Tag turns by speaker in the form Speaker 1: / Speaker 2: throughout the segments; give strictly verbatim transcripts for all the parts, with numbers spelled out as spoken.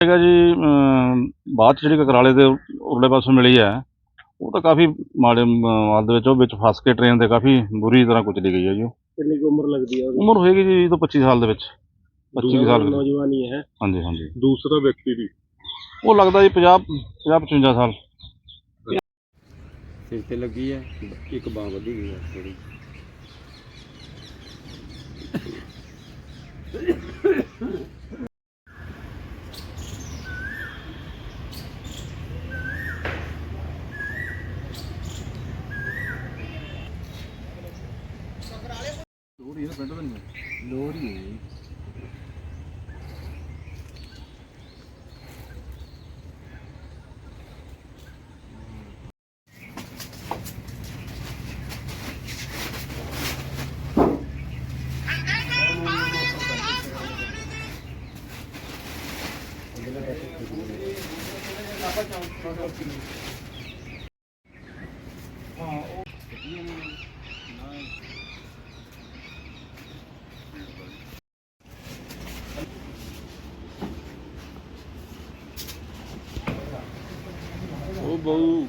Speaker 1: ਹੈਗਾ ਜੀ ਅਮ, ਬਾਅਦ 'ਚ ਜਿਹੜੀ ਕਕਰਾਲੇ ਦੇ ਉਰਲੇ ਪਾਸੋਂ ਮਿਲੀ ਹੈ ਉਹ ਤਾਂ ਕਾਫੀ ਮਾੜੇ ਮ- ਹਾਲ ਦੇ ਵਿੱਚ ਉਹ ਵਿੱਚ ਫਸ ਕੇ ਟ੍ਰੇਨ ਦੇ ਕਾਫੀ ਬੁਰੀ ਤਰ੍ਹਾਂ ਕੁਚਲੀ ਗਈ ਹੈ ਜੀ ਉਹ।
Speaker 2: ਕਿੰਨੀ ਕੁ ਉਮਰ ਲੱਗਦੀ ਹੈ ਉਹਦੀ?
Speaker 1: ਉਮਰ ਹੋਏਗੀ ਜੀ ਤੋਂ ਪੱਚੀ ਸਾਲ ਦੇ ਵਿੱਚ, ਪੱਚੀ ਕੁ ਸਾਲ।
Speaker 2: ਨੌਜਵਾਨ ਹੀ ਹੈ।
Speaker 1: ਹਾਂਜੀ ਹਾਂਜੀ।
Speaker 3: ਦੂਸਰਾ ਵਿਅਕਤੀ ਦੀ
Speaker 1: ਉਹ ਲੱਗਦਾ ਜੀ ਪੰਜਾਹ ਪੰਜਾਹ ਪਚਵੰਜਾ ਸਾਲ।
Speaker 4: ਸਿਰ ਤੇ ਲੱਗੀ ਹੈ, ਇੱਕ ਬਾਂਹ ਵਧੀ ਗਈ ਹੈ ਥੋੜੀ।
Speaker 1: ਲੋੜੀ ਹੈ ਪਿੰਡ ਦਾ ਨਹੀਂ,
Speaker 4: ਲੋਹੜੀ ਹੈ।
Speaker 3: ਉਹ ਬਹੁ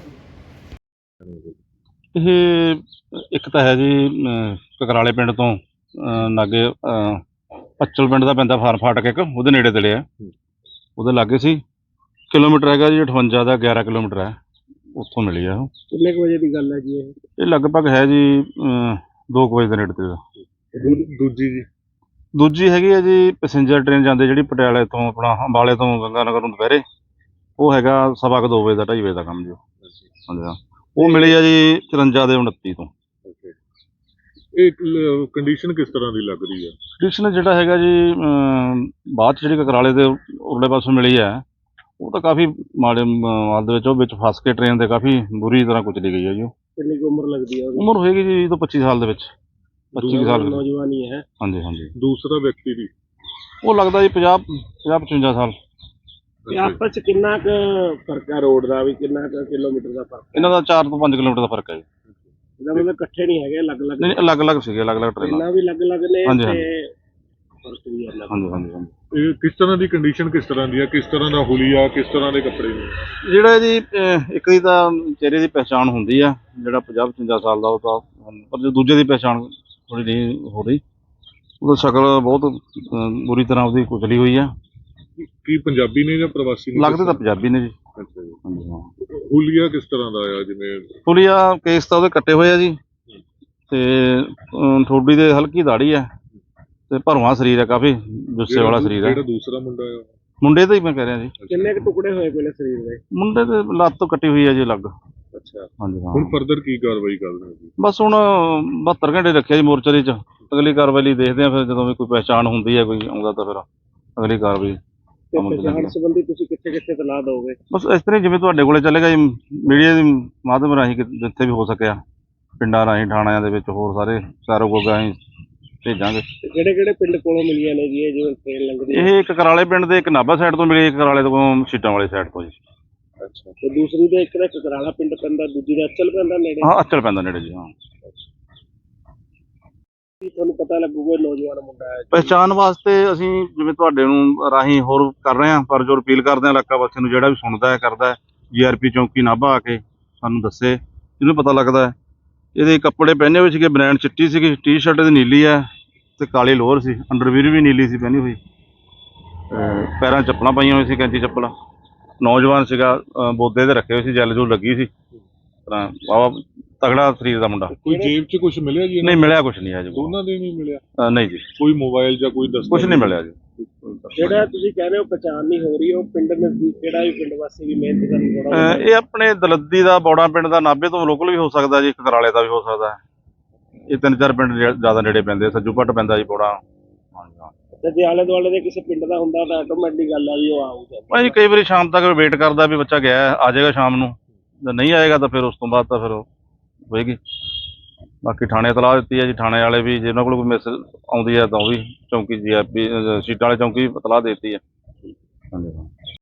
Speaker 1: ਇਹ ਇੱਕ ਤਾਂ ਹੈ ਜੀ ਅਮ, ਕਕਰਾਲੇ ਪਿੰਡ ਤੋਂ ਅਮ, ਲਾਗੇ ਅਮ, ਪੱਚਲ ਪਿੰਡ ਦਾ ਪੈਂਦਾ ਫਾਰਮ ਫਾਟਕ ਇੱਕ, ਉਹਦੇ ਨੇੜੇ ਤੇੜੇ ਹੈ। ਉਹਦੇ ਲਾਗੇ ਸੀ, ਕਿਲੋਮੀਟਰ ਹੈਗਾ ਜੀ ਅਠਵੰਜਾ ਦਾ, ਗਿਆਰਾਂ ਕਿਲੋਮੀਟਰ ਹੈ, ਉੱਥੋਂ ਮਿਲੀ ਆ ਉਹ।
Speaker 2: ਕਿੰਨੇ ਕੁ ਵਜੇ ਦੀ ਗੱਲ ਹੈ ਜੀ ਇਹ?
Speaker 1: ਇਹ ਲਗਭਗ ਹੈ ਜੀ ਅਮ, ਦੋ ਕੁ ਵਜੇ ਦੇ ਨੇੜੇ ਤੇੜੇ ਦਾ।
Speaker 3: ਦੂਜੀ ਜੀ
Speaker 1: ਦੂਜੀ ਹੈਗੀ ਹੈ ਜੀ ਪੈਸੇਂਜਰ ਟ੍ਰੇਨ ਜਾਂਦੀ ਜਿਹੜੀ ਪਟਿਆਲੇ ਤੋਂ ਆਪਣਾ ਅੰਬਾਲੇ ਤੋਂ ਗੰਗਾ ਨਗਰ ਨੂੰ ਦੁਪਹਿਰੇ, ਉਹ ਹੈਗਾ ਸਵਾ ਕੁ ਦੋ ਵਜੇ ਦਾ, ਢਾਈ ਵਜੇ ਦਾ ਕੰਮ ਜੀ ਉਹ। ਹਾਂਜੀ ਹਾਂ, ਉਹ ਮਿਲੀ ਆ ਜੀ ਚੁਰੰਜਾ ਦੇ ਉਨੱਤੀ ਤੋਂ।
Speaker 3: ਇਹ ਕੰਡੀਸ਼ਨ ਕਿਸ ਤਰ੍ਹਾਂ ਦੀ ਲੱਗ ਰਹੀ ਹੈ?
Speaker 1: ਕੰਡੀਸ਼ਨ ਜਿਹੜਾ ਹੈਗਾ ਜੀ ਅਮ, ਬਾਅਦ 'ਚ ਜਿਹੜੀ ਕਕਰਾਲੇ ਦੇ ਉਰਲੇ ਪਾਸੋਂ ਮਿਲੀ ਹੈ ਉਹ ਤਾਂ ਕਾਫੀ ਮਾੜੇ ਮ- ਹਾਲ ਦੇ ਵਿੱਚ ਉਹ ਵਿੱਚ ਫਸ ਕੇ ਟ੍ਰੇਨ ਦੇ ਕਾਫੀ ਬੁਰੀ ਤਰ੍ਹਾਂ ਕੁਚਲੀ ਗਈ ਹੈ ਜੀ ਉਹ।
Speaker 2: ਕਿੰਨੀ ਕੁ ਉਮਰ ਲੱਗਦੀ ਹੈ ਉਹਦੀ?
Speaker 1: ਉਮਰ ਹੋਏਗੀ ਜੀ ਤੋਂ ਪੱਚੀ ਸਾਲ ਦੇ ਵਿੱਚ, ਪੱਚੀ ਕੁ ਸਾਲ।
Speaker 2: ਨੌਜਵਾਨ ਹੀ ਹੈ।
Speaker 1: ਹਾਂਜੀ ਹਾਂਜੀ।
Speaker 3: ਦੂਸਰਾ ਵਿਅਕਤੀ ਦੀ
Speaker 1: ਉਹ ਲੱਗਦਾ ਜੀ ਪੰਜਾਹ ਪੰਜਾਹ ਪਚਵੰਜਾ ਸਾਲ।
Speaker 2: ਤੇ ਆਪਸ ਚ ਕਿੰਨਾ ਕੁ ਫਰਕ ਹੈ ਰੋਡ ਦਾ ਵੀ, ਕਿੰਨਾ ਕੁ ਕਿਲੋਮੀਟਰ ਦਾ ਫਰਕ?
Speaker 1: ਇਹਨਾਂ ਦਾ ਚਾਰ ਤੋਂ ਪੰਜ ਕਿਲੋਮੀਟਰ ਦਾ ਫਰਕ ਹੈ ਜੀ।
Speaker 2: ਇਹਦਾ ਮਤਲਬ ਇਕੱਠੇ ਨਹੀਂ ਹੈਗੇ, ਅਲੱਗ-ਅਲੱਗ
Speaker 1: ਨਹੀਂ ਅਲੱਗ-ਅਲੱਗ ਸੀਗੇ, ਅਲੱਗ-ਅਲੱਗ ਟ੍ਰੇਨਾਂ।
Speaker 2: ਟ੍ਰੇਨਾਂ ਵੀ ਅਲੱਗ-ਅਲੱਗ ਨੇ
Speaker 1: ਹਾਂਜੀ,
Speaker 2: ਤੇ ਫਰਕ ਵੀ ਅਲੱਗ।
Speaker 1: ਹਾਂਜੀ ਹਾਂਜੀ ਹਾਂਜੀ।
Speaker 3: ਇਹ ਕਿਸ ਤਰ੍ਹਾਂ ਦੀ ਕੰਡੀਸ਼ਨ ਕਿਸ ਤਰ੍ਹਾਂ ਦੀ ਹੈ? ਕਿਸ ਤਰ੍ਹਾਂ ਦਾ ਹੁਲੀਆ, ਕਿਸ ਤਰ੍ਹਾਂ ਦੇ ਕੱਪੜੇ ਨੇ?
Speaker 1: ਜਿਹੜਾ ਜੀ ਅਹ, ਇੱਕ ਦੀ ਤਾਂ ਚਿਹਰੇ ਦੀ ਪਹਿਚਾਣ ਹੁੰਦੀ ਆ, ਜਿਹੜਾ ਪੰਜਾਹ ਪਚਵੰਜਾ ਸਾਲ ਦਾ ਉਹ ਤਾਂ, ਪਰ ਜੋ ਦੂਜੇ ਦੀ ਪਹਿਚਾਣ ਥੋੜੀ ਨਹੀਂ ਹੋ ਰਹੀ। ਉਹਦਾ ਸ਼ਕਲ ਬਹੁਤ ਅਹ, ਬੁਰੀ ਤਰ੍ਹਾਂ ਉਹਦੀ ਕੁਚਲੀ ਹੋਈ ਆ।
Speaker 3: ਕੀ ਪੰਜਾਬੀ ਨੇ ਜਾਂ ਪ੍ਰਵਾਸੀ ਨੇ?
Speaker 1: ਲੱਗਦੇ ਤਾਂ ਪੰਜਾਬੀ ਨੇ ਜੀ।
Speaker 3: ਅੱਛਾ ਜੀ।
Speaker 1: ਹਾਂਜੀ ਹਾਂ।
Speaker 3: ਹੁਲੀਆ ਕਿਸ ਤਰ੍ਹਾਂ ਦਾ ਆ? ਜਿਵੇਂ
Speaker 1: ਪੁਲੀਆ ਕੇਸ ਤਾਂ ਉਹਦੇ ਕੱਟੇ ਹੋਏ ਆ ਜੀ, ਤੇ ਅਮ, ਠੋਡੀ ਦੇ ਹਲਕੀ ਦਾੜੀ ਆ, ਤੇ ਭਰਵਾਂ ਸਰੀਰ ਆ, ਕਾਫੀ ਜੁੱਸੇ ਵਾਲਾ ਸਰੀਰ ਆ।
Speaker 3: ਜਿਹੜਾ ਦੂਸਰਾ ਮੁੰਡਾ ਆ
Speaker 1: ਮੁੰਡੇ ਦਾ ਹੀ ਮੈਂ ਕਹਿ ਰਿਹਾ ਜੀ।
Speaker 2: ਕਿੰਨੇ ਕੁ ਟੁਕੜੇ ਹੋਏ ਪਹਿਲੇ ਸਰੀਰ ਦੇ?
Speaker 1: ਮੁੰਡੇ ਦੇ ਲੱਤ ਤੋਂ ਕੱਟੀ ਹੋਈ ਆ ਜੀ ਅਲੱਗ।
Speaker 2: ਅੱਛਾ।
Speaker 1: ਹਾਂਜੀ ਹਾਂ।
Speaker 3: ਹੁਣ ਫਰਦਰ ਕੀ ਕਾਰਵਾਈ ਕਰ ਰਹੇ ਹੋ ਜੀ?
Speaker 1: ਬਸ ਹੁਣ ਬਹੱਤਰ ਘੰਟੇ ਰੱਖਿਆ ਜੀ ਮੋਰਚਰੀ 'ਚ, ਅਗਲੀ ਕਾਰਵਾਈ ਲਈ ਦੇਖਦੇ ਆ। ਫਿਰ ਜਦੋਂ ਵੀ ਕੋਈ ਪਹਿਚਾਣ ਹੁੰਦੀ ਹੈ, ਕੋਈ ਆਉਂਦਾ, ਤਾਂ ਫਿਰ ਅਗਲੀ ਕਾਰਵਾਈ
Speaker 2: ਤੇ
Speaker 1: ਅਮਲ 'ਚ
Speaker 2: ਪਛਾਣ
Speaker 1: ਲੈਂਦੇ ਆ।
Speaker 2: ਸੰਬੰਧੀ ਤੁਸੀਂ ਕਿੱਥੇ ਕਿੱਥੇ ਤਲਾਹ ਦੋਗੇ?
Speaker 1: ਬਸ ਇਸ ਤਰ੍ਹਾਂ ਹੀ ਜਿਵੇਂ ਤੁਹਾਡੇ ਕੋਲੇ ਚੱਲੇਗਾ ਜੀ, ਮੀਡੀਆ ਦੇ ਮਾਧਿਅਮ ਰਾਹੀਂ, ਕਿ ਜਿੱਥੇ ਵੀ ਹੋ ਸਕਿਆ, ਪਿੰਡਾਂ ਰਾਹੀਂ, ਥਾਣਿਆਂ ਦੇ ਵਿੱਚ, ਹੋਰ ਸਾਰੇ ਚਾਰੋ ਗੋਗਾ ਅਸੀਂ ਭੇਜਾਂਗੇ।
Speaker 2: ਤੇ ਕਿਹੜੇ ਕਿਹੜੇ ਪਿੰਡ ਕੋਲੋਂ ਮਿਲੀਆਂ ਨੇ ਜੀ ਇਹ ਜਿਵੇਂ ਟ੍ਰੇਨ ਲੰਘਦੀ ਹੈ?
Speaker 1: ਇਹ ਇੱਕ ਕਰਾਲੇ ਪਿੰਡ ਦੇ, ਇੱਕ ਨਾਭਾ ਸਾਈਡ ਤੋਂ ਮਿਲੀ, ਇੱਕ ਕਰਾਲੇ ਤੋਂ ਸੀਟਾਂ ਵਾਲੀ ਸਾਈਡ ਤੋਂ ਜੀ।
Speaker 2: ਅੱਛਾ। ਤੇ ਦੂਸਰੀ ਦੇ ਇੱਕ ਦਾ ਕਕਰਾਲਾ ਪਿੰਡ ਪੈਂਦਾ, ਦੂਜੀ ਦਾ ਅਚਲ ਪੈਂਦਾ ਨੇੜੇ?
Speaker 1: ਹਾਂ, ਅਚਲ ਪੈਂਦਾ ਨੇੜੇ ਜੀ। ਹਾਂ,
Speaker 2: ਕੀ ਤੁਹਾਨੂੰ ਪਤਾ ਲੱਗੂਗਾ ਇਹ ਨੌਜਵਾਨ ਮੁੰਡਾ ਹੈ?
Speaker 1: ਪਹਿਚਾਣ ਵਾਸਤੇ ਅਸੀਂ ਜਿਵੇਂ ਤੁਹਾਡੇ ਨੂੰ ਰਾਹੀਂ ਹੋਰ ਕਰ ਰਹੇ ਹਾਂ, ਪਰ ਜੋ ਅਪੀਲ ਕਰਦੇ ਹਾਂ ਇਲਾਕਾ ਵਾਸੀਆਂ ਨੂੰ, ਜਿਹੜਾ ਵੀ ਸੁਣਦਾ ਹੈ, ਕਰਦਾ ਹੈ, ਜੀ ਆਰ ਪੀ ਚੌਂਕੀ ਨਾਭਾ ਆ ਕੇ ਸਾਨੂੰ ਦੱਸੇ, ਜਿਹਨੂੰ ਪਤਾ ਲੱਗਦਾ ਹੈ। ਇਹਦੇ ਕੱਪੜੇ ਪਹਿਨੇ ਹੋਏ ਸੀਗੇ, ਬਨੈਣ ਚਿੱਟੀ ਸੀਗੀ, ਟੀ ਸ਼ਰਟ ਇਹਦੀ ਨੀਲੀ ਹੈ, ਤੇ ਕਾਲੀ ਲੋਅਰ ਸੀ, ਅੰਡਰਵੀਅਰ ਵੀ ਨੀਲੀ ਸੀ ਪਹਿਨੀ ਹੋਈ, ਤੇ ਪੈਰਾਂ 'ਚ ਚੱਪਲਾਂ ਪਾਈਆਂ ਹੋਈ ਸੀ, ਕੈਂਚੀ ਚੱਪਲਾਂ। ਨੌਜਵਾਨ ਸੀਗਾ, ਅਹ ਬੋਦੇ ਦੇ ਰੱਖੇ ਹੋਏ ਸੀ, ਜੈਲ ਜੂਲ ਲੱਗੀ ਸੀ, ਤਾਂ ਵਾਹਵਾ ਤਗੜਾ ਸਰੀਰ ਦਾ ਮੁੰਡਾ।
Speaker 3: ਕੋਈ ਜੇਬ 'ਚ ਕੁਝ ਮਿਲਿਆ ਜੀ?
Speaker 1: ਨਹੀਂ ਮਿਲਿਆ, ਕੁਛ ਨਹੀਂ ਹੈ ਜੀ।
Speaker 3: ਦੋਨਾਂ ਦੇ ਨਹੀਂ ਮਿਲਿਆ?
Speaker 1: ਅਹ ਨਹੀਂ ਜੀ,
Speaker 3: ਕੋਈ ਮੋਬਾਈਲ ਜਾਂ ਕੋਈ ਦਸਤਾਵੇਜ਼?
Speaker 1: ਕੁਛ ਨਹੀਂ ਮਿਲਿਆ ਜੀ।
Speaker 2: ਜਿਹੜਾ ਤੁਸੀਂ ਕਹਿ ਰਹੇ ਹੋ ਪਛਾਣ ਨਹੀਂ ਹੋ ਰਹੀ, ਉਹ ਪਿੰਡ ਨਜ਼ਦੀਕ ਕਿਹੜਾ ਵੀ ਪਿੰਡ ਵਾਸੀ ਵੀ ਮਿਹਨਤ ਕਰਨ ਥੋੜਾ?
Speaker 1: ਅਹ ਇਹ ਆਪਣੇ ਦਲੱਦੀ ਦਾ, ਬੌੜਾ ਪਿੰਡ ਦਾ, ਨਾਭੇ ਤੋਂ ਲੋਕਲ ਵੀ ਹੋ ਸਕਦਾ ਜੀ, ਕਕਰਾਲੇ ਦਾ ਵੀ ਹੋ ਸਕਦਾ ਹੈ। ਇਹ ਤਿੰਨ ਚਾਰ ਪਿੰਡ ਜਿਹੜੇ ਜ਼ਿਆਦਾ ਨੇੜੇ ਪੈਂਦੇ, ਸੱਜੂ ਭੱਟ ਪੈਂਦਾ ਜੀ, ਬੌੜਾ। ਹਾਂਜੀ ਹਾਂ।
Speaker 2: ਤੇ ਜੇ ਆਲੇ ਦੁਆਲੇ ਦੇ ਕਿਸੇ ਪਿੰਡ ਦਾ ਹੁੰਦਾ ਤਾਂ ਆਟੋਮੈਟਿਕ ਗੱਲ ਆ ਵੀ ਉਹ ਆਊਗਾ।
Speaker 1: ਭਾਈ ਕਈ ਵਾਰੀ ਸ਼ਾਮ ਤੱਕ ਵੇਟ ਕਰਦਾ ਵੀ ਬੱਚਾ ਗਿਆ ਹੈ, ਆ ਜਾਏਗਾ ਸ਼ਾਮ ਨੂੰ, ਜੇ ਨਹੀਂ ਆਏਗਾ ਤਾਂ ਫਿਰ ਉਸ ਤੋਂ ਬਾਅਦ ਤਾਂ ਫਿਰ ਹੋਏਗੀ। ਬਾਕੀ ਥਾਣੇ ਤਲਾਹ ਦਿੱਤੀ ਹੈ ਜੀ, ਥਾਣੇ ਵਾਲੇ ਵੀ ਜਿਹਨਾਂ ਕੋਲ ਕੋਈ ਮਿਸ ਆਉਂਦੀ ਹੈ ਤਾਂ ਉਹ ਵੀ ਚੌਂਕੀ ਜੀ ਆਰ ਪੀ ਸੀਟਾਂ ਵਾਲੇ ਚੌਂਕੀ ਵੀ ਤਲਾਹ ਦੇ ਦਿੱਤੀ ਹੈ। ਹਾਂਜੀ ਹਾਂ।